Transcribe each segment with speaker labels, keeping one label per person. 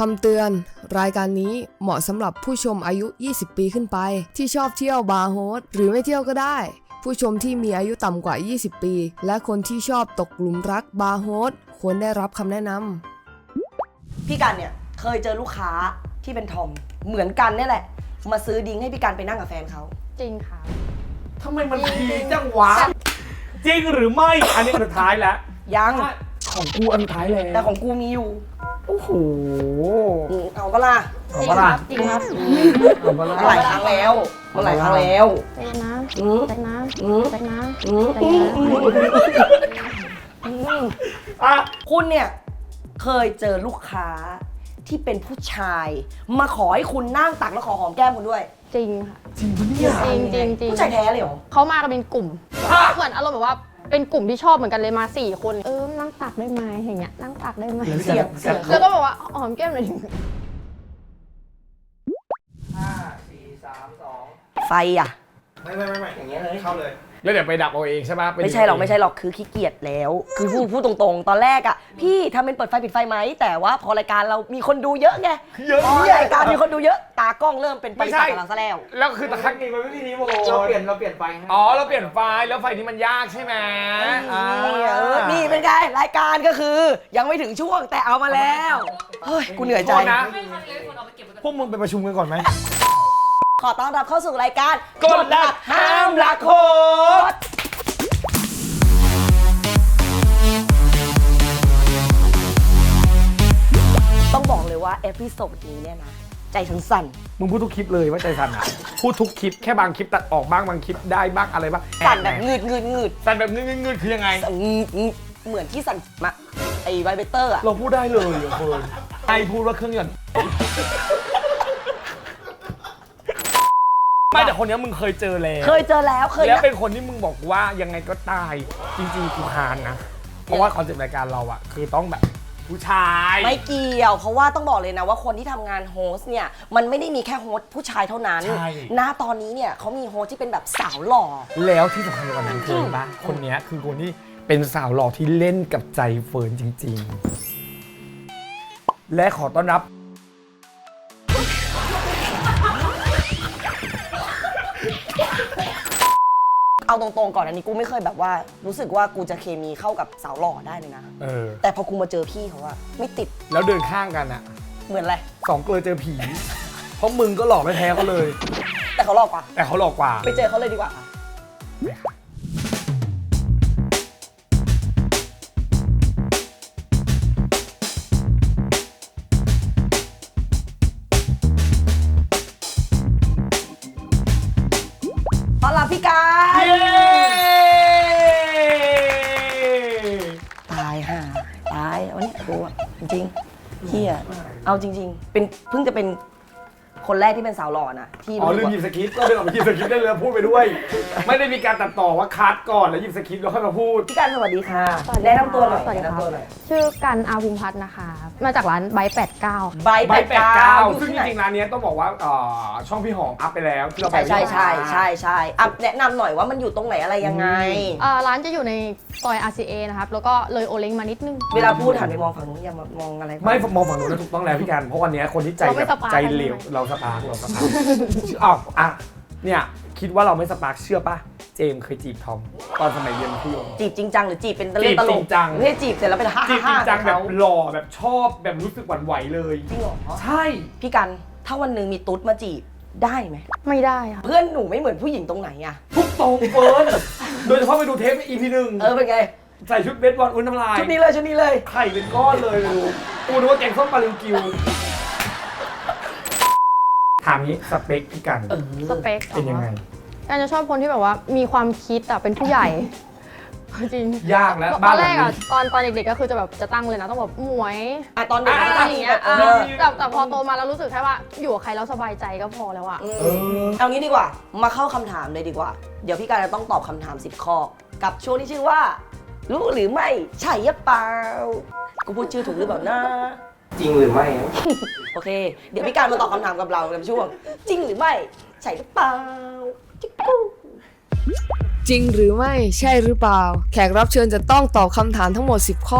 Speaker 1: ำเตือนรายการนี้เหมาะสำหรับผู้ชมอายุ 20 ปีขึ้นไปที่ชอบเที่ยวบาร์โฮสหรือไม่เที่ยวก็ได้ ผู้ชมที่มีอายุต่ำกว่า 20 ปี และคนที่ชอบตกหลุมรักบาร์โฮสควรได้รับคำแนะนำ
Speaker 2: พี่กันเนี่ยเคยเจอลูกค้าที่เป็นทอมเหมือนกันเนี่ยแหละมาซื้อดิ้งให้พี่กันไปนั่งกับแฟนเขา
Speaker 3: จริงค่ะ
Speaker 4: ทำไมมันดีจังวะจริงหรือไม่อันนี้อันสุดท้ายแล้ว
Speaker 2: ยัง
Speaker 4: ของกูอันสุดท้ายแล้ว
Speaker 2: แต่ของกูมีอยู่
Speaker 4: โอ้โห
Speaker 2: เอาปะล่ะ
Speaker 4: เอาปะล่ะ
Speaker 3: จริงครับ
Speaker 4: เอาปะล่ะ
Speaker 2: หลายครั้งแล้วมันหลายครั้งแล้ว
Speaker 3: ใจนะใจนะใจนะใจ
Speaker 2: นะคุณเนี่ยเคยเจอลูกค้าที่เป็นผู้ชายมาขอให้คุณนั่งตักแล้วขอหอมแก้มคุณด้วย
Speaker 3: จริงค่ะ
Speaker 4: จริงปะเนี่ย
Speaker 3: จริง
Speaker 2: ผู้ชายแท้เลยเหรอ
Speaker 3: เขามากันเป็นกลุ่มเหมือนอารมณ์แบบว่าเป็นกลุ่มที่ชอบเหมือนกันเลยมา4 คนนั่งตักได้ไหมอย่างเงี้ยนั่งตักได้ไหม
Speaker 2: เสียง
Speaker 3: แล้วก็บอกว่าหอมแก้มหน่อย
Speaker 4: 5 4 3 2
Speaker 2: ไฟอ่ะ
Speaker 4: ไม่อย่างเงี้ยเลยเข้าเลยแล้วเดี๋ยวไปดับเอาเองใช่ปะ
Speaker 2: ไม่ใช่หรอกคือขี้เกียจแล้วคือพูดตรงๆตอนแรกอ่ะพี่ทำเป็นเปิดไฟปิดไฟไหมแต่ว่าพอรายการเรามีคนดูเยอะไงพอรายการมีคนดูเยอะตากล้องเริ่มเป็นไฟตัดกับเราซะแล้ว
Speaker 4: คือตะครั้งนี้มันไม่มีรีโมท
Speaker 5: เราเปลี่ยนไฟ
Speaker 4: อ๋อเราเปลี่ยนไฟแล้วไฟนี้มันยากใช่ไหม
Speaker 2: นี่เป็นไงรายการก็คือยังไม่ถึงช่วงแต่เอามาแล้วเฮ้ยกูเหนื่อยใจ
Speaker 4: นะพวกมึงไปประชุมกันก่อนไหม
Speaker 2: ขอต้อนรับเข้าสู่รายการ
Speaker 4: กดดักห้ามรักโคตร
Speaker 2: ต้องบอกเลยว่าเอพิโซดนี้เนี่ยนะใจสั่น
Speaker 4: มึงพูดทุกคลิปเลยว่าใจสั่นอ่ะพูดทุกคลิปแค่บางคลิปตัดออกบ้างบางคลิปได้บ้างอะไรบ้าง
Speaker 2: สั่นแบบงืด
Speaker 4: สั่นแบบงืดคือยังไง
Speaker 2: เหมือนที่สั่นมาไอ้ไวเบเตอร์อะ
Speaker 4: เราพูดได้เลยเหรอคนไอพูดว่าเครื่องยนต์ไม่แต่คนนี้มึงเคยเจอแล้วแล้วเป็นคนที่มึงบอกว่ายังไงก็ตายจริงๆกูคานนะเพราะว่าคอนเซ็ปต์รายการเราอะคือต้องแบบผู้ชาย
Speaker 2: ไม่เกี่ยวเพราะว่าต้องบอกเลยนะว่าคนที่ทำงานโฮสเนี่ยมันไม่ได้มีแค่โฮสผู้ชายเท่านั้นณตอนนี้เนี่ยเขามีโฮสที่เป็นแบบสาวหล่อ
Speaker 4: แล้วที่สำคัญกว่านั้นคือป่ะคนนี้คือคนที่เป็นสาวหล่อที่เล่นกับใจเฟิร์นจริงๆและขอต้อนรับ
Speaker 2: เอาตรงๆก่อนอันนี้กูไม่เคยแบบว่ารู้สึกว่ากูจะเคมีเข้ากับสาวหล่อได้เลยนะแต่พอกูมาเจอพี่เขาอะไม่ติด
Speaker 4: แล้วเดินข้างกันอะ
Speaker 2: เหมือนอะไร
Speaker 4: 2 ตัวเจอผีเพราะมึงก็หลอกไม่แพ้เขาเลย
Speaker 2: แต่เขาหลอกกว่าไปเจอเขาเลยดีกว่าต้อนรับพี่การตายห่าตายวันนี้กูอะจริงๆพี่อะเอาจริงๆเป็นเพิ่งจะเป็นคนแรกที่เป็นสาวหล่อนะที่
Speaker 4: ลืมหยิบสคริปต์ก็เลยออกมาหยิบสคริปต์ได้เลยพูดไปด้วยไม่ได้มีการตัดต่อว่าคัดก่อนแล้วหยิบสคริปต์แล้วค่อยมาพูด
Speaker 2: พี่การสวัสดีค่ะแนะนำตัวหน่อย
Speaker 3: ชื่อกันอาภูมิพัฒน์นะคะมาจากร้านไบต์89
Speaker 2: ไบต์89
Speaker 4: ซึ่งจริงๆร้านนี้ต้องบอกว่าช่องพี่หอมอัพไปแล้วที่เราไป
Speaker 2: ใช่อัพแนะนำหน่อยว่ามันอยู่ตรงไหนอะไรยังไง
Speaker 3: ร้านจะอยู่ในซอย RCA นะครับแล้วก็เลยโอเล้งมานิดนึง
Speaker 2: เวลาพูดหันไปมองฝั่งนู้นอย่ามองอะไร
Speaker 4: ไม่มองฝั่งนู้นแล้วถูกต้องแล้วพี่การเพราะวันนี้คนที่ใจเหลวเราสปาร์กเนี่ยคิดว่าเราไม่สปาร์กเชื่อป่ะเจมเคยจีบทอมตอนสมัยเรียนมัธยม
Speaker 2: จีบจริงจังหรือจีบเป็นเล่นตลกไม่ใช่จีบเสร็จแล้วเป็นฮ่า
Speaker 4: จีบจริงจังแบบหล่อแบบชอบแบบรู้สึกหวั่นไหวเลย
Speaker 2: จริงเหรอ
Speaker 4: ใช่
Speaker 2: พี่กันถ้าวันหนึ่งมีตุ๊ดมาจีบได้ไหม
Speaker 3: ไม่ได้ค่ะ
Speaker 2: เพื่อนหนูไม่เหมือนผู้หญิงตรงไหนอะ
Speaker 4: ทุกตรงเฟิร์นโดยเฉพาะไปดูเทป EP 1
Speaker 2: เป็นไง
Speaker 4: ใส่ชุดเบสบอลอุ้นน้ำลาย
Speaker 2: ชุดนี้เลย
Speaker 4: ไข่เป็นก้อนเลยดูกูนึกว่าแกงส้มปลาลิวกิวถามนี้สเปคพี่กัน
Speaker 3: สเปค
Speaker 4: เป็นยังไง
Speaker 3: การจะชอบคนที่แบบว่ามีความคิดเป็นผู้ใหญ่จริง
Speaker 4: ยากแล้ว
Speaker 3: ตอนแรกตอนเด็กๆก็คือจะแบบจะตั้งเลยนะต้องแบบหมวย
Speaker 2: ตอนเด็กก็ตั้งอย่างเงี้ย
Speaker 3: แต่พอโตมาแล้วรู้สึกแค่ว่าอยู่กับใครแล้วสบายใจก็พอแล้ว
Speaker 2: เอางี้ดีกว่ามาเข้าคำถามเลยดีกว่าเดี๋ยวพี่การจะต้องตอบคำถาม10 ข้อกับช่วงที่ชื่อว่ารู้หรือไม่ใช่หรือเปล่ากูพูดชื่อถูกหรือเปล่านะ
Speaker 5: จริงหรือไม่
Speaker 2: โอเคเดี๋ยวพี่การมาตอบคำถามกับเราในช่วงจริงหรือไม่ใช่หรือเปล่าจิ๊กกู
Speaker 1: จริงหรือไม่ใช่หรือเปล่าแขกรับเชิญจะต้องตอบคำถามทั้งหมด10 ข้อ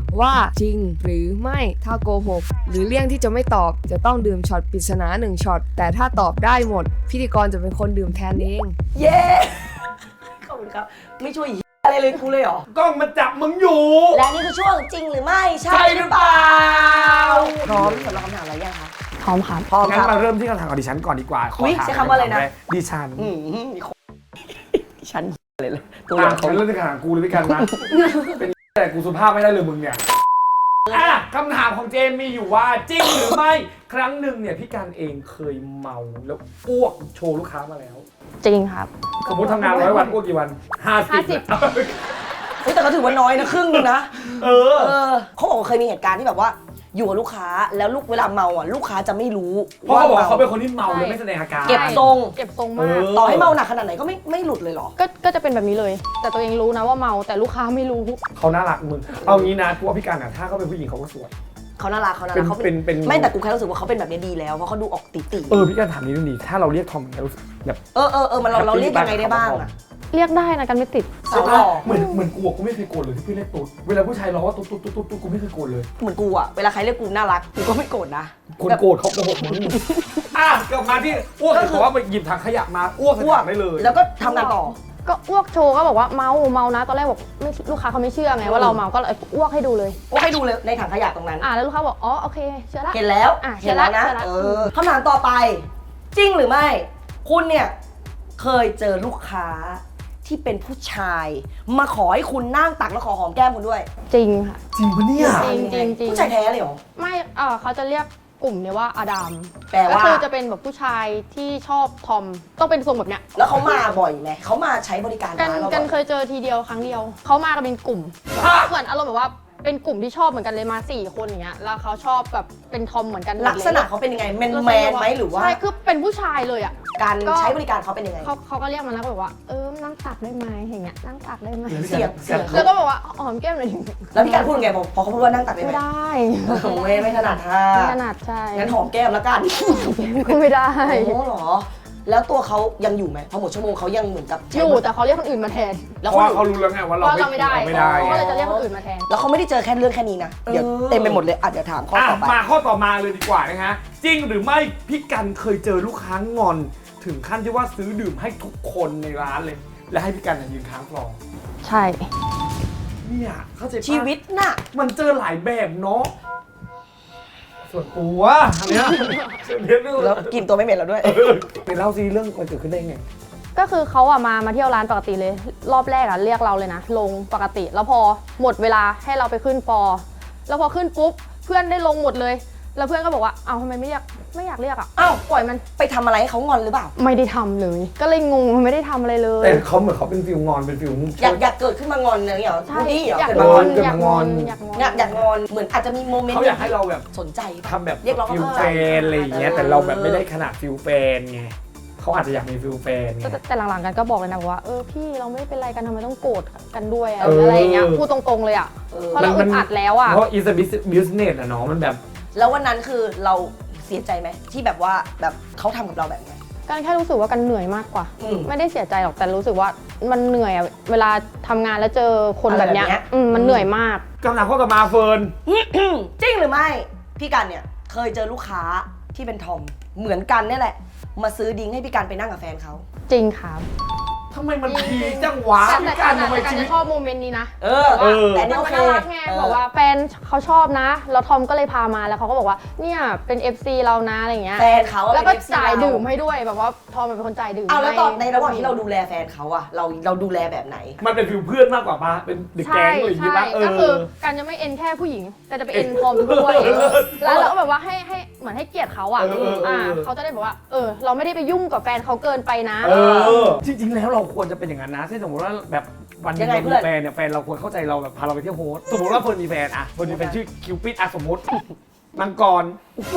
Speaker 1: ว่าจริงหรือไม่ถ้าโกหกหรือเลี่ยงที่จะไม่ตอบจะต้องดื่มช็อตปริศนา1ช็อตแต่ถ้าตอบได้หมด พิธีกรจะเป็นคนดื่มแทนเอง
Speaker 2: เย้ขอบคุณครับไม่ช่วยอะไรเลยกูเลยเหรอก
Speaker 4: ล้องมันจับมึงอยู่
Speaker 2: และนี่คือช่วงจริงหรือไม่ใช่
Speaker 4: ใช่หรือเปล่า
Speaker 2: พร้อมสำหรับคำถามอะไรยังคะ
Speaker 3: พร้อมครับ
Speaker 2: พร้อม
Speaker 4: งั้
Speaker 2: คน รับ
Speaker 4: มาเริ่มที่คำถามของดิฉันก่อนดีกว่าขอ
Speaker 2: อุ๊ย
Speaker 4: ถาม
Speaker 2: ใช้คำว่าอะไรนะ
Speaker 4: ดิฉัน
Speaker 2: มีคนฉันเลยตัว
Speaker 4: อ่ะ
Speaker 2: เขา
Speaker 4: ฉันเริ่มที่คำถามกูเลยพี่กันนะเป็นแต่กูสุภาพไม่ได้เลยมึงเนี่ยอ่ะคำถามของเจมมีอยู่ว่าจริงหรือไม่ครั้งหนึ่งเนี่ยพี่กันเองเคยเมาแล้วอ้วกโชว์ลูกค้ามาแล้ว
Speaker 3: จริงครับ
Speaker 4: สมมติทำงาน100 วันอ้วกกี่วัน50
Speaker 2: เฮ้ยแต่ก็ถือว่าน้อยนะครึ่งนึงนะ
Speaker 4: เออ
Speaker 2: เขาบอกว่าเคยมีเหตุการณ์ที่แบบว่าอยู่กับลูกค้าแล้วเวลาเมาอ่ะลูกค้าจะไม่รู้
Speaker 4: เพราะเขาบอกว่าเขาเป็น
Speaker 2: ม
Speaker 4: คนที่เมาแล้วไม่แสดงอาการ
Speaker 2: เก็บทรง
Speaker 3: เก็บทรงมาก
Speaker 4: เออ
Speaker 2: ต่อให้เมาหนักขนาดไหนก็ไม่หลุดเลยเหรอ
Speaker 3: ก็จะเป็นแบบนี้เลย แต่ตัวเองรู้นะว่าเมาแต่ลูกค้าไม่รู้
Speaker 4: เขาน่ารักมึงเอางี้นะกูว่าพี่กันอ่ะถ้าเขาเป็นผู้หญิงเขาก็สวย
Speaker 2: เขาน่ารักเขาน่า
Speaker 4: เป็
Speaker 2: รั
Speaker 4: น
Speaker 2: กเขา
Speaker 4: เป็น
Speaker 2: ไม่แต่กูแค่รู้สึกว่าเขาเป็นแบบนี้ดีแล้วเพราะเขาดูออกติ
Speaker 4: พี่กันถามนิดนึงดิถ้าเราเรียกทอมเนี่ยรู้สึกแบบ
Speaker 2: มันเราเรียกยังไงได้บ้างอะ
Speaker 3: เรียกได้นะกันไม่ติด
Speaker 2: สาวหล่อ
Speaker 4: เหมือนกูอะกูไม่เคยโกรธเลยที่พี่เรียกตุ๊ดเวลาผู้ชายร้องว่าตุ๊ดกูไม่เคยโกรธเลย
Speaker 2: เหมือนกูอ่ะเวลาใครเรียกกูน่ารักกูก็ไม่โกรธนะ
Speaker 4: คนโกรธเขาโกหกมึงอ่ะกลับมาที่อ้วกเห็นบอกว่าไปหยิบถังขยะมาอ้วกใส่ถังได้เลย
Speaker 2: แล้วก็ทำงานต่อ
Speaker 3: ก็อ้วกโชว์ก็บอกว่าเมานะตอนแรกบอกไม่ลูกค้าเขาไม่เชื่อไงว่าเราเมาก็เลยอ้วกให้ดูเลย
Speaker 2: โอ้ให้ดูเลยในถังขยะตรงนั้น
Speaker 3: แล้วลูกค้าบอกอ๋อโอเคเชื่อละ
Speaker 2: เห็นแล้ว
Speaker 3: อ่ะ
Speaker 2: เห็นแล้วนะ
Speaker 3: เชื่อละ
Speaker 2: คำถามต่อไป จริงหรือไม่ คุณเนี่ยเคยเจอลูกค้าที่เป็นผู้ชาย มาขอให้คุณนั่งตักแล้วขอหอมแก้มคุณด้วย
Speaker 3: จริงค่ะ
Speaker 4: จริงปะเนี่ย
Speaker 3: จริง
Speaker 2: ผู้ชายแท้เลยเหรอ
Speaker 3: ไม่เขาจะเรียกกลุ่มเนี่ยว่าอดัม
Speaker 2: แปลว่า
Speaker 3: ก็คือจะเป็นแบบผู้ชายที่ชอบทอมต้องเป็นทรงแบบเนี้ย
Speaker 2: แล้วเขามาบ่อยไหมเขามาใช้บริการ
Speaker 3: กัน
Speaker 2: ร้านเรา
Speaker 3: กัน
Speaker 2: บ่อย
Speaker 3: เคยเจอทีเดียวครั้งเดียวเขามากันเป็นกลุ่มเหมือนอารมณ์แบบว่าเป็นกลุ่มที่ชอบเหมือนกันเลยมา4 คนอย่างเงี้ยแล้วเขาชอบแบบเป็นทอมเหมือนกันหมดเลย
Speaker 2: ลักษณะเขาเป็นยังไงแมนไหมหรือว่า
Speaker 3: ใช่คือเป็นผู้ชายเลยอ่ะ
Speaker 2: การ
Speaker 3: ก็
Speaker 2: ใช้บริการเขาเป็นยังไง
Speaker 3: เขาก็เรียกมาแล้วก็บอกว่านั่งตักได้ไหมอย่างเงี้ยนั่งตักได้ไหม
Speaker 2: เสียง
Speaker 3: แล้วก็บอกว่าหอมแก้มหน่อยดิ
Speaker 2: แล้วพี่การพูดยังไงพอเขาพูดว่านั่งตักได้ไหม
Speaker 3: ไม่ได้
Speaker 2: ไม่ถนัดท่า
Speaker 3: ไม่ถนัดใช่
Speaker 2: งั้นหอมแก้มแล้วกัน
Speaker 3: ก็ไม่ได้
Speaker 2: โอ้เหรอ แล้วตัวเขายังอยู่ไหมพอหมดชั่วโมงเขายังเหมือนกับ
Speaker 3: อยู่แต่เขาเรียกคนอื่นมาแทน
Speaker 2: แล้ว
Speaker 4: เพ
Speaker 2: คน
Speaker 4: ราะว่า
Speaker 2: อื่
Speaker 4: เขา
Speaker 2: น
Speaker 4: รู้แล้วไงว่า
Speaker 3: เพ
Speaker 4: เรา
Speaker 3: ราะเราไม่ได้
Speaker 4: ไม่ได้
Speaker 3: ก็เลยจะเรียกคนอื่นมาแทน
Speaker 2: แล้วเขาไม่ได้เจอแค่เรื่องแค่นี้นะเดี๋ยวเต็มไปหมดเลยอ่ะเดี๋ยวถามข้อ
Speaker 4: อ่ะ
Speaker 2: ต่อไป
Speaker 4: มาข้อต่อมาเลยดีกว่านะฮะจริงหรือไม่พี่กันเคยเจอลูกค้างอน ถึงขั้นที่ว่าซื้อดื่มให้ทุกคนในร้านเลย และให้พี่กันยืนค้างฟลอร์
Speaker 3: ใช่
Speaker 4: เนี่ยเข้าใจปะ
Speaker 2: ชีวิตน่ะ
Speaker 4: มันเจอหลายแบบเนาะส่วนตัวอันเนี้ยเรียนเรื่อง
Speaker 2: แล้วกินตัวไม่เหม็นแล้วด้วย
Speaker 4: ไปเล่าซีเรื่องมันเกิดขึ้นได้ไง
Speaker 3: ก็คือเขามาเที่ยวร้านปกติเลย รอบแรกเรียกเราเลยนะลงปกติ แล้วพอหมดเวลาให้เราไปขึ้นฟอร์แล้วพอขึ้นปุ๊บเพื่อนได้ลงหมดเลย แล้วเพื่อนก็บอกว่าทำไมไม่อยากเรียก
Speaker 2: อ้าว
Speaker 3: ปล่อยมัน
Speaker 2: ไปทำอะไรให้เขางอนหรือเปล่า
Speaker 3: ไม่ได้ทำเลย ก็เลยงงมันไม่ได้ทำอะไรเลย
Speaker 4: แต่เขาเหมือนเขาเป็นฟิลงอนเป็นฟิล
Speaker 2: อยากเกิดขึ้นมางอนอะไรอย่างเงี้ยเหรอ
Speaker 3: ใช่
Speaker 2: พูดดีเหรอ
Speaker 3: อยาก
Speaker 2: เกิด
Speaker 3: ง
Speaker 2: มาง
Speaker 3: อ
Speaker 2: อน น
Speaker 3: อยากงอน
Speaker 2: อยากงอนเหมือนอาจจะมีโมเมนต์
Speaker 4: เขาอยากให้เราแบบ
Speaker 2: สนใจ
Speaker 4: ทำแบบ
Speaker 2: เรียกร้อง
Speaker 4: ฟิล
Speaker 2: ความ
Speaker 4: แฟ
Speaker 2: สนใจ
Speaker 4: นอะไรอย่างเงี้ยแต่เราแบบไม่ได้ขนาดฟิลแฟนไงเขาอาจจะอยากมีฟิลแฟนไง
Speaker 3: แต่หลังๆกันก็บอกเลยนะว่าพี่เราไม่เป็นไรกันทำไมต้องโกรธกันด้วย
Speaker 4: เอออ
Speaker 3: อะไรอย่างเงี้ยพูดตรงๆเลยเพราะเราอึดอัดแล้ว
Speaker 4: เพราะ is a business อะเนาะมันแบบ
Speaker 2: แล้ววันนั้นคือเราเสียใจไหมที่แบบว่าแบบเขาทำกับเราแบบนี้
Speaker 3: กันแค่รู้สึกว่ากันเหนื่อยมากกว่า
Speaker 2: อืม
Speaker 3: ไม่ได้เสียใจหรอกแต่รู้สึกว่ามันเหนื่อยเวลาทำงานแล้วเจอคนแบบเนี้ย
Speaker 2: อะไรแบบเนี้ย
Speaker 3: มันเหนื่อยมาก
Speaker 4: กำลังข้อต่อมาเฟิร์น
Speaker 2: จริงหรือไม่พี่กันเนี่ยเคยเจอลูกค้าที่เป็นทอมเหมือนกันเนี่ยแหละ มาซื้อดิ้งให้พี่กันไปนั่งกับแฟนเขา
Speaker 3: จริงครับ
Speaker 4: ทำไมมันพีคจังวะ
Speaker 3: แต่
Speaker 4: พี่กันทำไม
Speaker 3: กัน
Speaker 4: ชีวิ
Speaker 3: จะ
Speaker 4: ต
Speaker 3: ชอบโมเมนต์นี้นะ
Speaker 2: แต่นี่
Speaker 3: มั
Speaker 2: โอน เค
Speaker 3: น่ารักไงบอกว่าแฟนเขาชอบนะแล้วทอมก็เลยพามาแล้วเขาก็บอกว่าเนี่ยเป็น FC เรานะอะไรเงี้ย
Speaker 2: แฟนเขาอะ
Speaker 3: แล้วก็
Speaker 2: เป็น FC
Speaker 3: จ่าย
Speaker 2: เรา
Speaker 3: ดื่มให้ด้วยแบบว่าทอมเป็นคนจ่ายดื่ม
Speaker 2: เอาแล้วตอนในระหว่าง
Speaker 3: ให้
Speaker 2: ที่เราดูแลแฟนเขาอะเราดูแลแบบไหน
Speaker 4: มันเป็นฟิลเพื่อนมากกว่าปะเป็นเด็กแก๊งอะไรอย่างงี้ปะ
Speaker 3: ก็คือการจะไม่เอ็นแค่ผู้หญิง แต่จะไปเอ็นทอมด้วยแล้วเราก็แบบว่าให้เหมือนให้เกียรติเขาเขาจะได้บอกว่าเราไม่ได้ไปยุ่งกับแฟนเขาเกินไปนะ
Speaker 4: จริงๆแล้วเราควรจะเป็นอย่างนั้นนะเช่นสมมติว่าแบบวันหนึ
Speaker 2: ยัง งไง
Speaker 4: เรา
Speaker 2: เพื่
Speaker 4: มี
Speaker 2: อน
Speaker 4: แฟนเนี่ยแฟนเราควรเข้าใจเราแบบพาเราไปเที่ยวโฮสต์สมมติว่าเฟิร์นมีแฟนอะเฟิร์นมีแฟนชื่อคิวปิดอะสมมติมังกร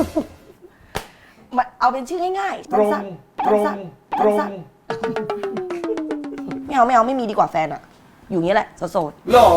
Speaker 2: เอาเป็นชื่อง่ายๆ
Speaker 4: ตรง
Speaker 2: สั้น
Speaker 4: ตรง
Speaker 2: สั้น
Speaker 4: ตรง
Speaker 2: สั้นไม่เอาไม่มีดีกว่าแฟนอะอยู่อย่างนี้แหละโสด
Speaker 4: หรอ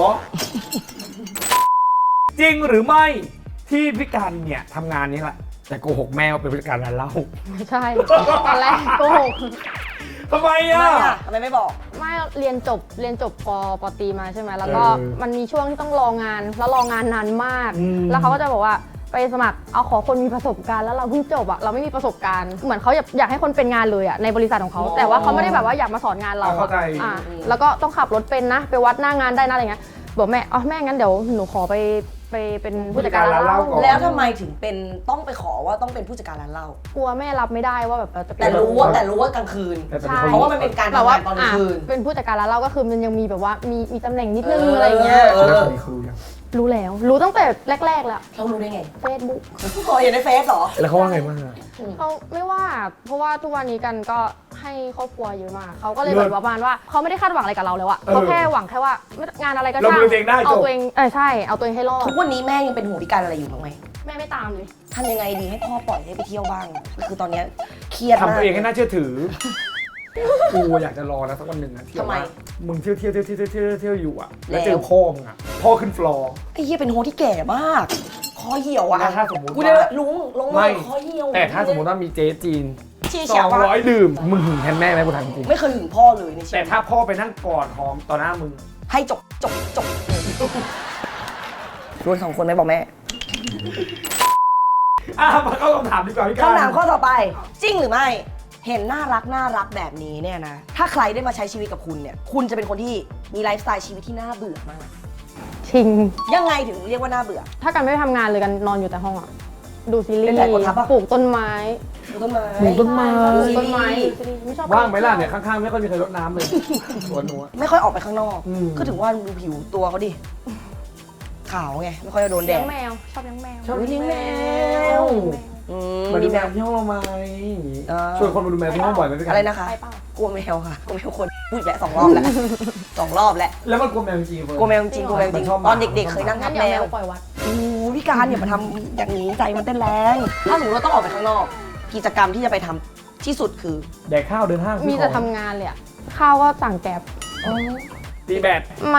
Speaker 4: จริงหรือไม่ที่พี่กันเนี่ยทำงานนี้แหละแต่โกหกแม่ว่าเป็นผู้จัดการร้านเหล้า
Speaker 3: ไม่ใช่ตอนแรกโกหก
Speaker 4: ทำไม
Speaker 2: ทำ
Speaker 4: อ่ะ
Speaker 2: ไมอ่ะทำไมไม่บอก
Speaker 3: ไม่เรียนจบปตรีมาใช่ไหมแล้วก็
Speaker 4: เออ
Speaker 3: มันมีช่วงที่ต้องรองานแล้วรองานนานมาก
Speaker 4: อืม
Speaker 3: แล้วเขาก็จะบอกว่าไปสมัครเอาขอคนมีประสบการณ์แล้วเราเพิ่งจบอะเราไม่มีประสบการณ์เหมือนเขาอยากให้คนเป็นงานเลยอะในบริษัทของเขาแต่ว่าเขาไม่ได้แบบว่าอยากมาสอนงานเรา
Speaker 4: เข้าใจ
Speaker 3: แล้วก็ต้องขับรถเป็นนะไปวัดหน้างานได้นะอะไรเงี้ยบอกแม่แม่งั้นเดี๋ยวหนูขอไปเป็นผู้จัดการร้านเหล้า
Speaker 4: ก่อน
Speaker 2: แล้วทำไมถึงเป็นต้องไปขอว่าต้องเป็นผู้จัดการร้านเหล้าก
Speaker 3: ลัวแม่รับไม่ได้ว่าแบบเราจะเป็น
Speaker 2: แต่รู้ว่ากลางคืน
Speaker 4: แต่
Speaker 3: ใช่
Speaker 2: เพราะว่ามันเป็นการ
Speaker 3: แบบ
Speaker 2: ทำ
Speaker 3: ว่าง
Speaker 2: านตอนกลางคืน
Speaker 3: เป็นผู้จัดการร้านเหล้าก็คือมันยังมีแบบว่ามีตำแหน่งนิดนึง
Speaker 2: เอออ
Speaker 3: อะไรอย่างเงี้ย
Speaker 4: แล้วตอนนี้เขารู้ยัง
Speaker 3: รู้แล้วรู้ตั้งแต่แรกๆแล้ว
Speaker 2: เรารู้ได้ไง
Speaker 3: เฟซบุ๊ก
Speaker 2: พอเห็นในเฟซเหรอ
Speaker 4: แล้วเขาว่าไงบ้างอะ
Speaker 3: เขาไม่ว่าเพราะว่าทุกวันนี้กันก็ให้ครอบครัวเยอะมากเขาก็เลย
Speaker 4: เลิ
Speaker 3: แบ
Speaker 4: ศ
Speaker 3: บประมาณว่าเขาไม่ได้คาดหวังอะไรกับเราแล้วอะ
Speaker 4: เออ
Speaker 3: เขาแค่หวังแค่ว่างานอะไรก็
Speaker 4: เรา
Speaker 3: ช่าง
Speaker 4: ดูตัวเองได้จบ
Speaker 3: เอาตัวเองใช่เอาตัวเองให้รอด
Speaker 2: ทุกวันนี้แม่ยังเป็นห่วงพิการอะไรอยู่บ้างไหม
Speaker 3: แม่ไม่ตามเลย
Speaker 2: ทำยังไงดีให้พ่อปล่อยให้ไปเที่ยวบ้างคือตอนเนี้ยเครียดมาก
Speaker 4: ทำตัวเองให้น่าเชื่อถือ กูอยากจะรอนะสักวันหนึ่งนะที่
Speaker 2: ทำไม
Speaker 4: ว่ามึงเที่ยวอยู่อ่ะ แล้ว
Speaker 2: แล้ว
Speaker 4: เจอพ่อมึงอ่ะ พ่อขึ้นฟลอร์
Speaker 2: ไอ้เหี้ยเป็นโฮที่แก่มากคอเหี่ยวอ่ะ
Speaker 4: แล้วถ้าสมมุติว่า
Speaker 2: กูเนี่ยลุงลง
Speaker 4: ไม่
Speaker 2: มาคอเหี่ยว
Speaker 4: แต่ถ้าสมมติว่ามีเจ๊จีน
Speaker 2: เชี่ยเฉียวว่า
Speaker 4: 200 ดื่ม มึงหึงแทนแม่ไหมกูถามจริง
Speaker 2: ไม่เคยหึงพ่อเลยในชี
Speaker 4: แต่
Speaker 2: วิต
Speaker 4: ถ้าพ่อไปนั่งกอดหอมต่อหน้ามึง
Speaker 2: ให้จบรวยสองคนไหมบอกแม่
Speaker 4: มาเข้าคำถามดีกว่าพี่การ
Speaker 2: คำถามข้อต่อไป จริงหรือไม่ เห็นน่ารักแบบนี้เนี่ยนะ ถ้าใครได้มาใช้ชีวิตกับคุณเนี่ย คุณจะเป็นคนที่มีไลฟ์สไตล์ชีวิตที่น่าเบื่อมาก
Speaker 3: ชิง
Speaker 2: ยังไงถึงเรียกว่าน่าเบื่อ
Speaker 3: ถ้ากันไม่ไปทำงานเลยกันนอนอยู่แต่ห้องอะดูซีรี
Speaker 2: เป็น
Speaker 3: ส์
Speaker 2: แบบคนทับปะ
Speaker 3: ปลูกต้นไม้
Speaker 2: ดูต้นไม้
Speaker 4: ปลูกต้นไม้
Speaker 3: ปลูกต้นไม้ดูซีรีส์ไม่ชอบ
Speaker 4: ว่างไหมล่ะเนี่ยข้างๆไม่ค่อยมีใครรดน้ำเลยสวนหนูอะ
Speaker 2: ไม่ค่อยออกไปข้างนอก
Speaker 4: อืม
Speaker 2: ก็ถึงว่าดูผิวตัวเขาดิ ขาวไง ไม่ค่อยโดนแด
Speaker 3: เลี้ย
Speaker 2: ด
Speaker 3: งแมวชอบเลี้ยงแมว
Speaker 2: ชอบเลี้ยงแมว อืม
Speaker 4: มาดู
Speaker 2: มี
Speaker 4: แม
Speaker 2: แม
Speaker 4: ว
Speaker 2: ว
Speaker 4: ที่ห้องเราไหม
Speaker 2: เออ
Speaker 4: ชวนคนมาดูแมวที่ห้องบ่อยไหมพี่การ
Speaker 2: อะไรนะคะ
Speaker 3: ไปเปล่าก
Speaker 2: ลัวแมวค่ะ กลัวแมวคนพูดอีกแล้ว2 รอบแล้ว 2 รอบแล้ว
Speaker 4: แล้วมันกลัวแมวจริงๆเฟิร์น
Speaker 2: กลัวแมวจริงกลัวแมวจริง
Speaker 4: มันชอบหมา
Speaker 2: ตอนเด็กๆเคยนั่ง
Speaker 3: งั้
Speaker 2: ทั
Speaker 3: น
Speaker 2: บ
Speaker 3: เดี๋ยว
Speaker 2: แม
Speaker 3: แม
Speaker 2: ว
Speaker 3: วปล่อยวัด
Speaker 2: โอ้พี่การอย่ามาทำอย่างนี้ใจมันเต้นแรง ถ้าสมมติเราต้องออกไปข้างนอก กิจกรรมที่จะไปทำที่สุดคือ
Speaker 4: แดกข้าวเดินห้างซื้อ
Speaker 3: มีแต่
Speaker 4: ของ
Speaker 3: ทำงานเลยอะข้าวก็สั่งแกร็บ
Speaker 4: ตีแบด
Speaker 3: ไม่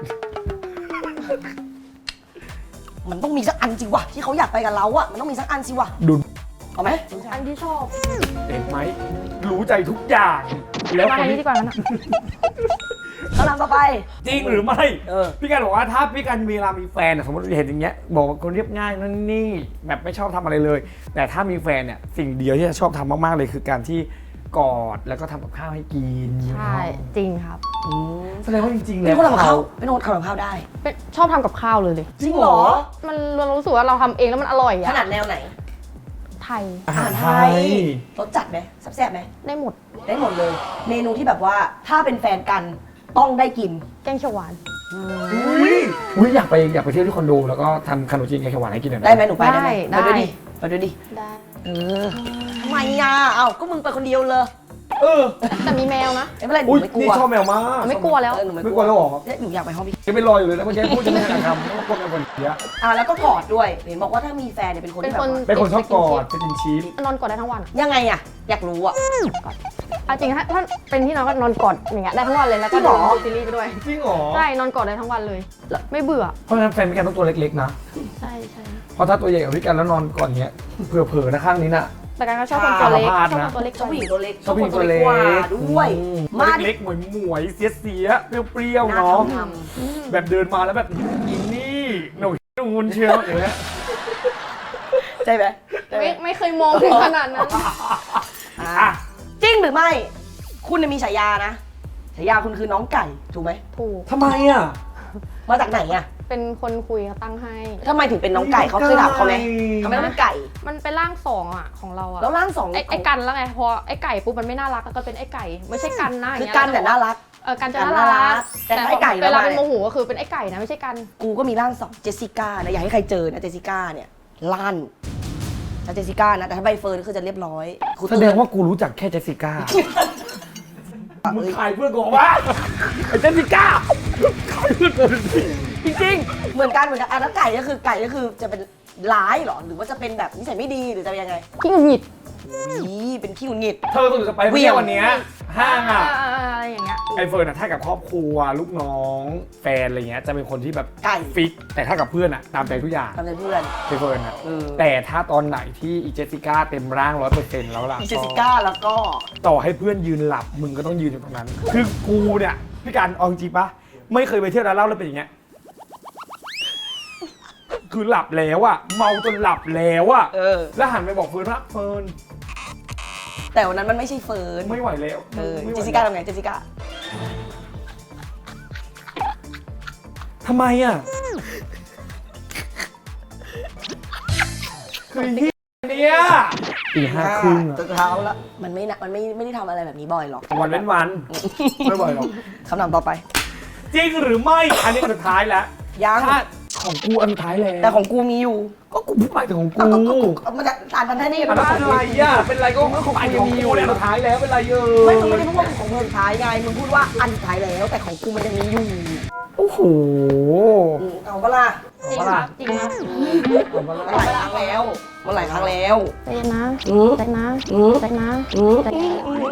Speaker 2: มันต้องมีสักอันสิวะที่เขาอยากไปกับเราอะมันต้องมีสักอันสิวะ
Speaker 4: ดุน
Speaker 2: เอาไหม
Speaker 3: อันที่ชอบ
Speaker 4: เห็นไหมรู้ใจทุกอย่าง แล้ว
Speaker 3: มา
Speaker 4: คน
Speaker 3: อันนี้
Speaker 4: ที่
Speaker 3: ดีกว่านั้นอะ
Speaker 2: คำถามต่อไป
Speaker 4: จริงหรือไม่
Speaker 2: เออ
Speaker 4: พี่การบอกว่าถ้าพี่การเวลามีแฟนอะสมมติเห็นอย่างเงี้ยบอกว่าคนเรียบง่ายนั่นนี่แบบไม่ชอบทำอะไรเลย แต่ถ้ามีแฟนเนี่ยสิ่งเดียวที่จะชอบทำมากๆเลยคือการที่กอดแล้วก็ทำกับข้าวให้กิน
Speaker 3: ใช่จริงครับ
Speaker 4: แสดงว่าจริงๆ
Speaker 2: เป็
Speaker 4: แล้
Speaker 2: น
Speaker 4: ว
Speaker 2: คนทำกับข้าวเป็นคนทำกับข้าวได้
Speaker 3: ชอบทำกับข้าวเลย
Speaker 2: จริงเหรอ
Speaker 3: มันเรารู้สึกว่าเราทำเองแล้วมันอร่อย
Speaker 2: ข
Speaker 3: อะ
Speaker 2: นาดแนวไหน
Speaker 3: ไทย
Speaker 4: อาหารไทย
Speaker 2: รสจัดไหมแซ่บๆไหม
Speaker 3: ได้หมด
Speaker 2: ได้หมดเลย เมนูที่แบบว่าถ้าเป็นแฟนกันต้องได้กิน
Speaker 3: แกงเขียวหวาน
Speaker 4: อุ้ยอยากไปเที่ยวที่คอนโดแล้วก็ทำขนมจีนแกงเขียวหวานให้กินหน่อย
Speaker 2: ได้ไหมหนูไปได้ไหม
Speaker 3: ได้
Speaker 2: ไปด้วยดิไปด้วยดิ
Speaker 3: ได้
Speaker 2: เออทำไมอ่ะเอ้าก็มึงไปคนเดียวเลย
Speaker 4: เออ
Speaker 3: แต่มีแมวนะ
Speaker 2: ไม่เป็นไรหนู
Speaker 4: อุ้ย
Speaker 2: ไม่กลั
Speaker 4: นี่
Speaker 2: ว
Speaker 4: ชอบแมวมาก
Speaker 3: ไม่กลัวแล้ว
Speaker 2: เออหนู
Speaker 4: ไม่กลัวแล้วเหรอ
Speaker 2: เนี่ยหนูอยากไปห้องพี่
Speaker 4: ยังไม่รออยู่เลยแล้วเมื่อกี้พูดจะไม่ทันคำว่ากลัวแมวคนเดียว
Speaker 2: แล้วก็กอดด้วย เห็นบอกว่าถ้ามีแฟนเนี่ยเป็นคนที่แบบว่า
Speaker 4: เป็นคนชอบกอดเป็นชิ้น
Speaker 3: นอนกอดได้ทั้งวัน
Speaker 2: ยังไงอ่ะ อยากรู้อ่ะ
Speaker 3: เอาจริงถ้าเป็นที่นอนก็นอนกอดอย่างเงี้ยได้ทั้งวันเลยแล้วก็
Speaker 2: จริงเหรอ
Speaker 3: ดูซีรีส์ไปด้วย
Speaker 4: จริงเหรอ
Speaker 3: ใช่นอนกอดได้ทั้งวันเลย ไม่เบื่อ
Speaker 4: เพราะฉะนั้นแฟนพี่กันต้องตัวเล็กๆนะ
Speaker 3: ใช่ใช่
Speaker 4: เพราะถ้าตัวใหญ่กับพี่กันแล้วนอนก่อนเนี้ยเผลอๆนะข้างนี้น่ะ
Speaker 3: แต่การก็ชอบคนตัวเล็ก
Speaker 4: พลาด
Speaker 3: ชอบ
Speaker 4: นะ
Speaker 3: คนตัวเล็ก
Speaker 2: ชอบผู้หญิงตัวเล็ก
Speaker 4: ชอบผู้หญิงตัวเล็ก
Speaker 2: กว่าด้วย มาดิ
Speaker 4: เล็กๆหมวยๆเสียๆเปรี้ยวๆ
Speaker 2: น่า
Speaker 4: เนาะ
Speaker 2: ทำ
Speaker 4: แบบเดินมาแล้วแบบอินนี่หนูงุนเชียวอย่างเงี้ย
Speaker 2: ใช่ไหมใช่ไหม
Speaker 3: ไม่เคยมองถึงขนาดนั้น
Speaker 2: อ่ะจริงหรือไม่ คุณเนี่ยมีฉายานะ ฉายาคุณคือน้องไก่ ถูกไหม
Speaker 3: ถูก
Speaker 4: ทำไมอ่ะ
Speaker 2: มาจากไหนอ่ะ
Speaker 3: เป็นคนคุยเขาตั้งให้
Speaker 2: ทำไมถึงเป็นน้องไก่เขาเคยถามเขาไหมทำไมต้องเป็นไก่
Speaker 3: มันเป็นร่างสองอ่ะของเราอ่ะ
Speaker 2: แล้วร่างสอง
Speaker 3: ไอ้กันแล้วไงพอไอ้ไก่ปุ๊บมันไม่น่ารักแล้วก็เป็นไอ้ไก่ไม่ใช่กันนะ
Speaker 2: คือ
Speaker 3: อย่างเงี้ย
Speaker 2: กันแต่น่ารัก
Speaker 3: กันจะ
Speaker 2: กัน
Speaker 3: น่า
Speaker 2: น่ารั
Speaker 3: รั
Speaker 2: ก
Speaker 3: ก
Speaker 2: แต่ไอ้ไก่
Speaker 3: เวลา
Speaker 2: แล้ว
Speaker 3: เป็นโมโหก็คือเป็นไอ้ไก่นะไม่ใช่กัน
Speaker 2: กูก็มีร่างสองเจสสิก้านะอย่าให้ใครเจอนะเจสสิก้าเนี่ยลั่นถ้าเจสสิก้านะแต่ถ้าใบเฟิร์นก็คือจะเรียบร้อยกู
Speaker 4: แสดงว่ากูรู้จักแค่เจสสิก้า มึงขายเพื่อนกูวะไอ้เจสสิก้าขายเพื่อนกูสิ
Speaker 2: จริงๆเหมือนกันอ่ะแล้วไก่ก็คือจะเป็นร้ายเหรอหรือว่าจะเป็นแบบนิสัยไม่ดีหรือจะเป็นยังไง
Speaker 3: ขี้หงุดหงิด
Speaker 2: นี่เป็นขี้หงุดหงิด
Speaker 4: เธอต้องจะไปเที่ยววันเนี้ยห้างอ่ะ
Speaker 3: อะไรอย่างเงี้ย
Speaker 4: ไอเฟิร์นอะถ้ากับครอบครัวลูกน้องแฟนอะไรเงี้ยจะเป็นคนที่แบบ
Speaker 2: ไก่
Speaker 4: ฟิกแต่ถ้ากับเพื่อนอะตามใจทุกอย่าง
Speaker 2: ทำใจเพื่อน
Speaker 4: ไอเฟิร์นอะ
Speaker 2: เออ
Speaker 4: แต่ถ้าตอนไหนที่อีเจสสิก้าเต็มร่าง 100%แล้วล่ะ
Speaker 2: เจสสิก้าแล้วก็
Speaker 4: ต่อให้เพื่อนยืนหลับมึงก็ต้องยืนอยู่ตรงนั้น คือกูเนี่ยพี่การเอาจริงปะไม่เคยไปเที่ยวร้านเหล้าแล้วเป็นอย่างเงี้ยคือหลับแล้วอะเมาจนหลับแล้วอะ
Speaker 2: เออ
Speaker 4: แล้วหันไปบอกเฟิร์นว่าเฟิร์น
Speaker 2: แต่วันนั้นมันไม่ใช่เฟิร์น
Speaker 4: ไม่ไหวแล้ว
Speaker 2: เออ
Speaker 4: ไม่ไหว
Speaker 2: เจสสิก้าทำไงเจสสิก้า
Speaker 4: ทำไมอะคือที่เนี่ยตีห้าครึ่งอะ
Speaker 2: จนเช้าแล้วมันไม่ได้ทำอะไรแบบนี้บ่อยหรอก
Speaker 4: วันเว้นวัน ไม่บ่อยหรอก
Speaker 2: คำถามต่อไป
Speaker 4: จริงหรือไม่ อันนี้อันสุดท้ายแล้ว
Speaker 2: ยัง
Speaker 4: ถ้าของกูอันสุดท้ายแล้ว
Speaker 2: แต่ของกูมีอยู่
Speaker 4: ก็กูพูดไปถึงของกู
Speaker 2: มันจะอ่านทันท่านี่
Speaker 4: อัน
Speaker 2: มัน
Speaker 4: นั้นอะไรอ่ะเป็นไรก็ของไปของกูเนี่ยอันสุดท้ายแล้วเป็นไรเยอะ
Speaker 2: ไม่มึงไม่ได้พูดว่าของมึงสุดท้ายไงมึงพูดว่าอันสุดท้ายแล้ว แต่ของกูมันยังมีอยู่
Speaker 4: โอ้โห
Speaker 2: เอาเปะล่า
Speaker 3: จริงครับจริงครับ
Speaker 2: มันหลายครั้งแล้วมันหลายครั้งแล้ว
Speaker 3: ใจเย็นนะ
Speaker 2: อืม
Speaker 3: ใจนะ
Speaker 2: อืม
Speaker 3: ใจนะ
Speaker 2: อืม
Speaker 3: ใจนะ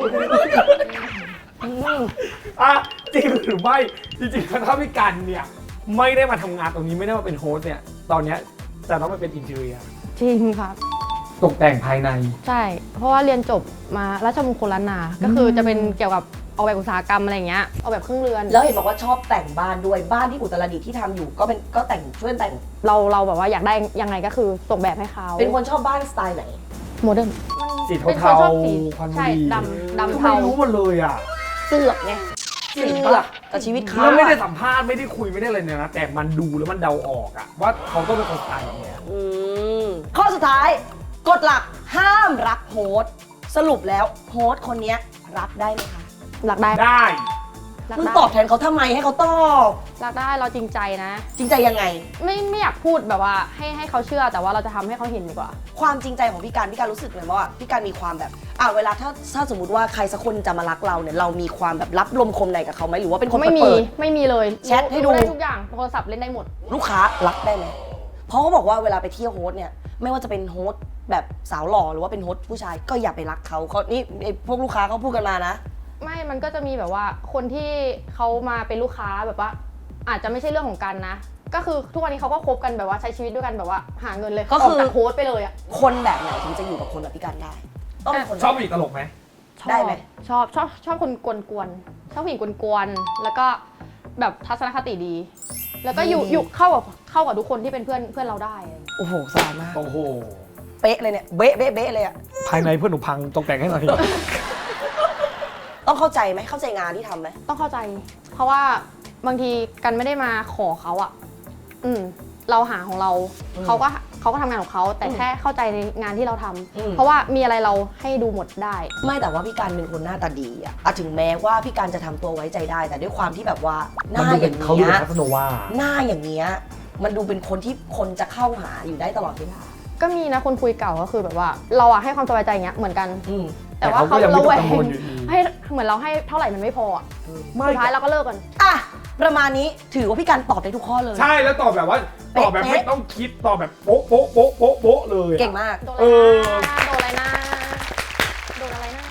Speaker 4: อ่ะจริงหรือไม่จริงๆถ้าพี่กันเนี่ยไม่ได้มาทำงานตรงนี้ไม่ได้มาเป็นโฮสต์เนี่ยตอนเนี้ยจะต้องมาเป็นอินเทอร์เนีย
Speaker 3: จริงครับ
Speaker 4: ตกแต่งภายใน
Speaker 3: ใช่ เพราะว่าเรียนจบมาราชมงคลล้านนา ก็คือจะเป็นเกี่ยวกับออกแบบอุตสาหกรรมอะไรอย่างเงี้ย ออกแบบเครื่องเรือน
Speaker 2: แล้วเห็นบอกว่าชอบแต่งบ้านด้วยบ้านที่อุตรดิตถ์ที่ทำอยู่ก็แต่งช่วยแต่ง
Speaker 3: เราแบบว่าอยากได้ยังไงก็คือส่งแบบให้เขา
Speaker 2: เป็นคนชอบบ้านสไตล์ไหน
Speaker 3: โมเดิร์น
Speaker 4: สี
Speaker 3: เป็นคน
Speaker 4: เทา
Speaker 3: ชอบสี
Speaker 4: ๆควันบุ
Speaker 3: ใช่
Speaker 4: หรี่
Speaker 3: ดำ
Speaker 4: ทำไม
Speaker 3: เทา
Speaker 4: รู้หมดเลยอ่ะ
Speaker 3: เสือกไง
Speaker 2: เสือกกับชีวิตเขา
Speaker 4: แล้วไม่ได้สัมภาษณ์ไม่ได้คุยไม่ได้อะไรเนี่ยนะแต่มันดูแล้วมันเดาออกอะว่าเขาต้องเป็นคนสไตล์แบบเนี้ย
Speaker 2: ข้อสุดท้ายกฎหลักห้ามรักโฮสต์สรุปแล้วโฮสต์คนเนี้ยรับได้ไหมคะ
Speaker 3: รักได้
Speaker 4: ได้
Speaker 3: รัก
Speaker 2: มึง
Speaker 3: ได้
Speaker 2: ตอบแทนเขาทำไมให้เขาตอบ
Speaker 3: รักได้เราจริงใจนะ
Speaker 2: จริงใจยังไง
Speaker 3: ไม่อยากพูดแบบว่าให้เขาเชื่อแต่ว่าเราจะทำให้เขาเห็นดีกว่า
Speaker 2: ความจริงใจของพี่การรู้สึกเลยว่าพี่การมีความแบบเวลาถ้าสมมติว่าใครสักคนจะมารักเราเนี่ยเรามีความแบบรับลมคมในกับเขาไหมหรือว่าเป็นคน
Speaker 3: ไม่มี
Speaker 2: เปิด
Speaker 3: ไม่มีเลย
Speaker 2: แชทให้ดู
Speaker 3: ได้ทุกอย่างโทรศัพท์เล่นได้หมด
Speaker 2: ลูกค้ารักได้ไหมเพราะเขาบอกว่าเวลาไปเที่ยวโฮสต์เนี่ยไม่ว่าจะเป็นโฮสต์แบบสาวหล่อหรือว่าเป็นโฮสต์ผู้ชายก็อย่าไปรักเขานี่ไอ้พวกลูกค้าเขาพูดกันมานะ
Speaker 3: ไม่มันก็จะมีแบบว่าคนที่เขามาเป็นลูกค้าแบบว่า อาจจะไม่ใช่เรื่องของกันนะ ก็คือทุกวันนี้เขาก็คบกันแบบว่าใช้ชีวิตด้วยกันแบบว่าหาเงินเลย
Speaker 2: ก็คือ
Speaker 3: ออกจากโฮสต์ไปเลยอะ
Speaker 2: คนแบบไหนถึงจะอยู่กับคนแบบพี่การได้ต้องเป็นคน
Speaker 4: ชอบผู้หญิงตลกไหม
Speaker 2: ได้ไหม
Speaker 3: ชอบคนกวนๆชอบผู้หญิงกวนๆแล้วก็แบบทัศนคติดี แล้วก็อยู่เข้ากับทุกคนที่เป็นเพื่อนเราได้อะไรอย่างเงี้ย
Speaker 2: โอ้โหสบายมาก
Speaker 4: โอ้โห
Speaker 2: เป๊ะเลยเนี่ยเบ๊ะเลยอะ
Speaker 4: ภายในเพื่อนหนูพังตกแต่งให้หน่อย
Speaker 2: ต้องเข้าใจไหมเข้าใจงานที่ทำไหม
Speaker 3: ต้องเข้าใจ เพราะว่าบางทีกันไม่ได้มาขอเขาอะเราหาของเราเขาก็ทำงานของเขาแต่แค่เข้าใจในงานที่เราทำเพราะว่ามีอะไรเราให้ดูหมดได้
Speaker 2: ไม่แต่ว่าพี่การเป็นคนหน้าตาดีอะถึงแม้ว่าพี่การจะทำตัวไว้ใจได้ แต่ด้วยความที่แบบว่าห
Speaker 4: มัน
Speaker 2: น้า
Speaker 4: ดู
Speaker 2: อ
Speaker 4: เป็น
Speaker 2: ย่าง
Speaker 4: เขาดู
Speaker 2: เงี้
Speaker 4: เป็
Speaker 2: ย
Speaker 4: นคาสโนวา
Speaker 2: หน้าอย่างเงี้ยมันดูเป็นคนที่คนจะเข้าหาอยู่ได้ตลอดเวลา
Speaker 3: ก็มีนะคนคุยเก่าก็คือแบบว่าเราอะให้ความสบายใจอย่างเงี้ยเหมือนกัน แต่ว่า
Speaker 4: แต่เขาก็
Speaker 3: เขา
Speaker 4: ยังไม่
Speaker 3: ระแว
Speaker 4: กังวล
Speaker 3: ง
Speaker 4: อยู่ดี
Speaker 3: ให้เหมือนเราให้เท่าไหร่มันไม่พออะ
Speaker 4: ไม่
Speaker 3: สุดท้ายเราก็เลิกกัน
Speaker 2: อ่ะประมาณนี้ถือว่าพี่การตอบได้ทุกข้อเลย
Speaker 4: ใช่แล้วตอบแบบว่าตอบแบบ
Speaker 2: เป๊ะ
Speaker 4: ไม่ต้องคิดตอบแบบโป๊ะโป๊ะโป๊ะโป๊ะโป๊ะเลยอะ
Speaker 2: เก่งมาก
Speaker 3: โดน
Speaker 4: เออ
Speaker 3: อะไรนะโดนอะไรนะ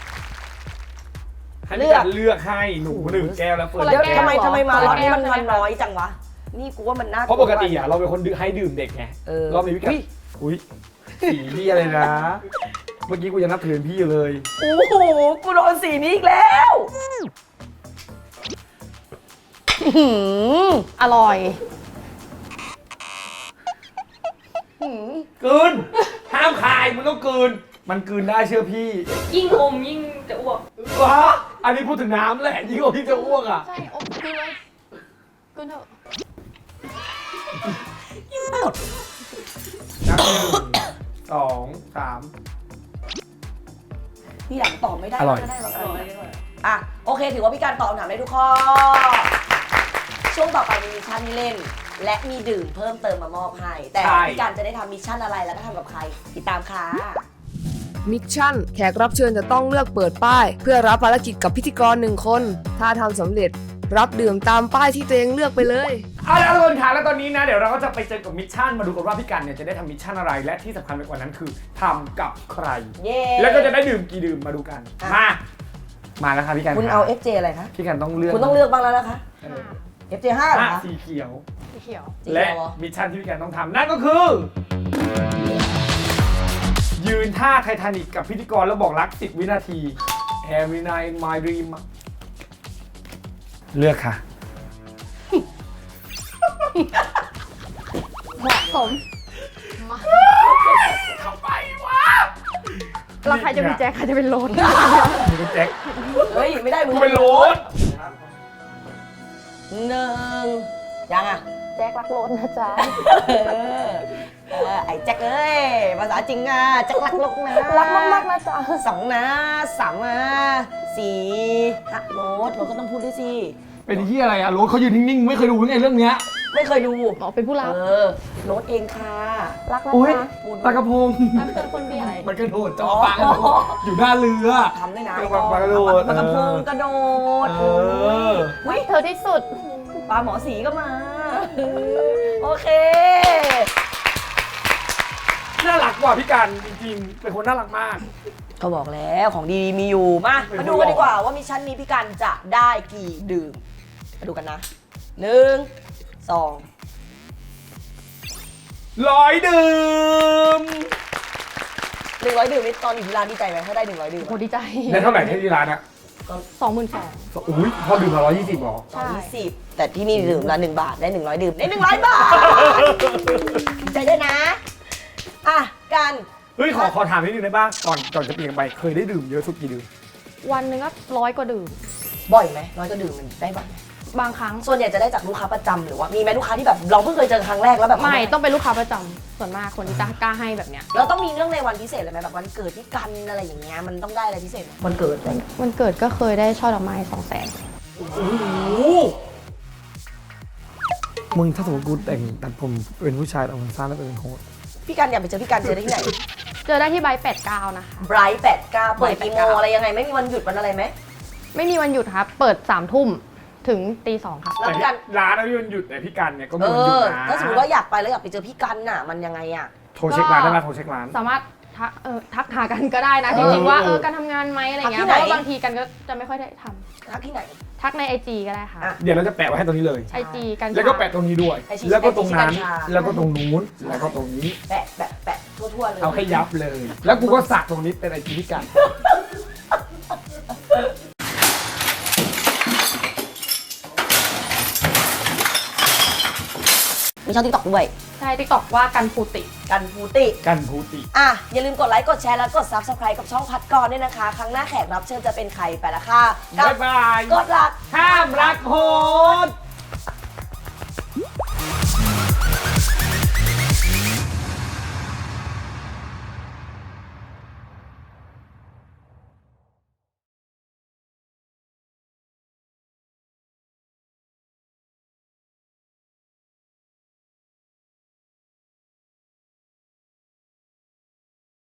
Speaker 4: ให้พี่การเลือกให้หนูหนึ่งแก้วแล้วเฟิร์น
Speaker 3: คนละ
Speaker 2: เดี๋ยว
Speaker 3: แก้ว
Speaker 2: ทำไม
Speaker 3: เหรอ
Speaker 2: มา
Speaker 3: คนละ
Speaker 2: รอบนี้
Speaker 3: แก้ว
Speaker 2: มัน
Speaker 3: ใช่ไหม
Speaker 2: น้อยจังวะนี่กูว่ามันน่า
Speaker 4: เพราะปกติอะเราเป็นคนให้ดื่มเด็กไง
Speaker 2: เออ
Speaker 4: รอบนี้พี่กันอุ้ยสีพี่อะไรนะ เมื่อกี้กูยังนับถือพี่อยู่เลย
Speaker 2: โอ้โหกูโดนสีนี้อีกแล้ว
Speaker 3: อร่อย
Speaker 4: กลืนห้ามคายมึงต้องกลืนมันกลืนได้เชื่อพี่
Speaker 6: ยิ่งอมยิ่งจะอ้วก
Speaker 4: วะอันนี้พูดถึงน้ำแหละยิ่งกว่าพี่จะอ้วกอ่ะ
Speaker 3: ใช่อบกินเลยกินเถอะ
Speaker 4: นับ1 2 3
Speaker 2: พี่หลังตอบไม่ได้
Speaker 4: อร่อย
Speaker 2: ก็ได้หรอกอ่ะโอเคถือว่าพี่การตอบคำถามได้ทุกข้อ ช่วงต่อไปมีมิชชั่นให้เล่น และมีดื่มเพิ่มเติมมามอบให้ แต่พี่การจะได้ทำมิชชั่นอะไรแล้วก็ทำกับใคร ติดตามค่ะ
Speaker 1: มิชชั่นแขกรับเชิญจะต้องเลือกเปิดป้าย เพื่อรับภารกิจกับพิธีกร1 คน ถ้าทำสำเร็จรับดื่มตามป้ายที่ตัวเองเลือกไปเลย
Speaker 4: เอาละทุกคนค่ะแล้วตอนนี้นะเดี๋ยวเราก็จะไปเจอกับมิชชั่นมาดูกันว่าพี่กันเนี่ยจะได้ทำมิชชั่นอะไรและที่สำคัญไปกว่านั้นคือทำกับใคร
Speaker 2: เย้
Speaker 4: แล้วก็จะได้ดื่มกี่ดื่มมาดูกัน มาแล้วค่ะพี่กัน
Speaker 2: คุณ
Speaker 4: ค่ะ
Speaker 2: เอา FJ อะไรคะ
Speaker 4: พี่กันต้องเลือก
Speaker 2: คุณต้องเลือกบ้างแล้วนะคะ
Speaker 4: เออ
Speaker 2: FJ 5เหรอคะ
Speaker 4: สีเขียว
Speaker 3: สีเขียว
Speaker 2: สี
Speaker 4: และ
Speaker 2: เขียวเหรอ
Speaker 4: มิชชั่นที่พี่กันต้องทำนั่นก็คือ ยืนท่าไททานิกกับพิธีกรแล้วบอกรัก10 วินาที Every night in my dream เลือกค่ะ
Speaker 3: เหมาะสมมา
Speaker 4: ทำไมวะ
Speaker 3: แล้วใครจะเป็นแจ็คใครจะเป็นโรน
Speaker 4: มึงเป็นแจ็ค
Speaker 2: เฮ้ย ไม่ได้มึง
Speaker 4: กูเป็นโรส
Speaker 2: หนึ่งยังอ่ะ
Speaker 3: แจ็ครักโรนนะจ๊ะ
Speaker 2: ไอ้แจ็คเอ้ยภาษาจริงอ่ะแจ็ครักลูกนะ
Speaker 3: รักมากๆนะจ๊ะ
Speaker 2: สองนะสามนะสี่ฮะโรสก็ต้องพูดด้วยสิ
Speaker 4: เป็นที่อะไรอะโรสเขายืนนิ่งๆ ไม่เคยดูไงเรื่องเนี้ย
Speaker 2: ไม่เคยดู
Speaker 3: บอกเป็นผู้รัก
Speaker 2: โรสเองค่ะ
Speaker 3: รักนะ
Speaker 4: โอ้ย
Speaker 3: จ๊ะ
Speaker 4: ปลากระพง
Speaker 3: รักเธอคนเดียว
Speaker 4: มันกระโดดจ้องปลาอยู่หน้าเรือ
Speaker 2: ทำได้นะ
Speaker 4: ปลากระโดด
Speaker 2: ปลากระพงกระโดด
Speaker 4: เออ
Speaker 2: อุ้ย
Speaker 3: เธอที่สุด
Speaker 2: ปลาหมอสีก็มา โอเค
Speaker 4: น่ารักกว่าพี่กันจริงๆ เป็นคนน่ารักมาก
Speaker 2: ก็บอกแล้วของดีมีอยู่มาดูกันดีกว่าว่ามิชชั่นนี้พี่กันจะได้กี่ดื่มมาดูกันนะ1 2
Speaker 4: 100 ดื่ม
Speaker 2: 100 ดื่มนี่ตอนอยู่ที่ร้านดีใจไหมถ้าได้100 ดื่ม
Speaker 3: โหดีใจ
Speaker 4: ได้เท่าไหร่ที่ร้านอะ
Speaker 3: 22,000
Speaker 4: อุ้ยพอดื่มมา120หรอ
Speaker 3: ใช่
Speaker 2: 20แต่ที่นี่ดื่มละ1 บาทได้100 ดื่มได้100 บาทดีใจด้วยนะอ่ะกัน
Speaker 4: เฮ้ยขอถามนิดนึงได้ป่ะก่อนจะเปลี่ยนไปเคยได้ดื่มเยอะสุดกี่ดื่ม
Speaker 3: วันหนึ่งก็100 กว่าดื่ม
Speaker 2: บ่อยไหม100 ก็ดื่มมันได้บ่อยไหม
Speaker 3: บางครั้ง
Speaker 2: ส่วนใหญ่จะได้จากลูกค้าประจำหรือว่ามีไหมลูกค้าที่แบบเราเพิ่งเคยเจอครั้งแรกแล้วแบบ
Speaker 3: ไม่ต้องเป็นลูกค้าประจำส่วนมากคนที่จะกล้าให้แบบเนี้ย
Speaker 2: เราต้องมีเรื่องในวันพิเศษเลยไหมแบบวันเกิดที่กันอะไรอย่างเงี้ยมันต้องได้อะไรพิเศษไหมวันเกิดอะไร
Speaker 3: วันเกิดก็เคยได้ช่อดอกไม้200,000
Speaker 4: โอ้โหมึงถ้าสมมติกูแต่งตัดผมเป็นผู้ชายแต่ผมสั้นแล้วเป็นโค้ด
Speaker 2: พี่กันอยากไปเจอพี่กันเจอได้ที่ไหน
Speaker 3: เจอได้ที่ไบค์89นะคะ
Speaker 2: ไบรท์89เปิดกี่โมงอะไรยังไงไม่มีวันหยุดวันอะไรไหม
Speaker 3: ไม่มีวันหยุดครับ เปิด3 ทุ่มถึงตี 2ครับ
Speaker 2: แล้ว
Speaker 4: แต่
Speaker 2: พี่กัน
Speaker 4: ร้านไม่มีวันหยุดแต่พี่กันเนี่ยก็
Speaker 2: เอ
Speaker 4: มีวันหยุด
Speaker 2: อ
Speaker 4: นะ
Speaker 2: ถ้าสมมติว่าอยากไปแล้วอยากไปเจอพี่กันน่ะมันยังไงอ่ะ
Speaker 4: โทรเช็คร้านได้ไหมโทรเช็คร้าน
Speaker 3: สามารถทักหากันก็ได้นะจริงๆว่าการทำงานไหมอะไรเงี้ย
Speaker 2: ทักที่ไหน
Speaker 3: เพราะว่าบางทีกันก็จะไม่ค่อยได้ท
Speaker 2: ทักที่ไหน
Speaker 3: ำทักใน IG ก็ได้ค่ะ
Speaker 2: อ่ะ
Speaker 4: เดี๋ยวเราจะแปะไว้ให้ตรงนี้เลย
Speaker 3: IG กัน
Speaker 4: แล้วก็แปะตรงนี้ด้วย
Speaker 2: ไอชี
Speaker 4: แล้วก็ตรงนั้น
Speaker 2: ไอชีกัญชา
Speaker 4: แล้วก็ตรงนู้น แล้วก็ตรงนี้
Speaker 2: แปะทั่วๆเลย
Speaker 4: เอาให้ยับเลย แล้วกูก็สักตรงนี้เป็นไอจีพี่กัน
Speaker 2: มีช่องทิกตอกด้วย
Speaker 3: ใช่ TikTok ว่ากันภูติ
Speaker 2: กันฟูติ
Speaker 4: กันภูติ
Speaker 2: อ่ะ อย่าลืมกดไลค์ กดแชร์ และกด Subscribe กับช่องพัดกรด้วยนะคะ ครั้งหน้าแขกรับเชิญจะเป็นใครไปละค่ะ
Speaker 4: บ๊ายบาย
Speaker 2: กดรัก
Speaker 4: ห้ามรักโหด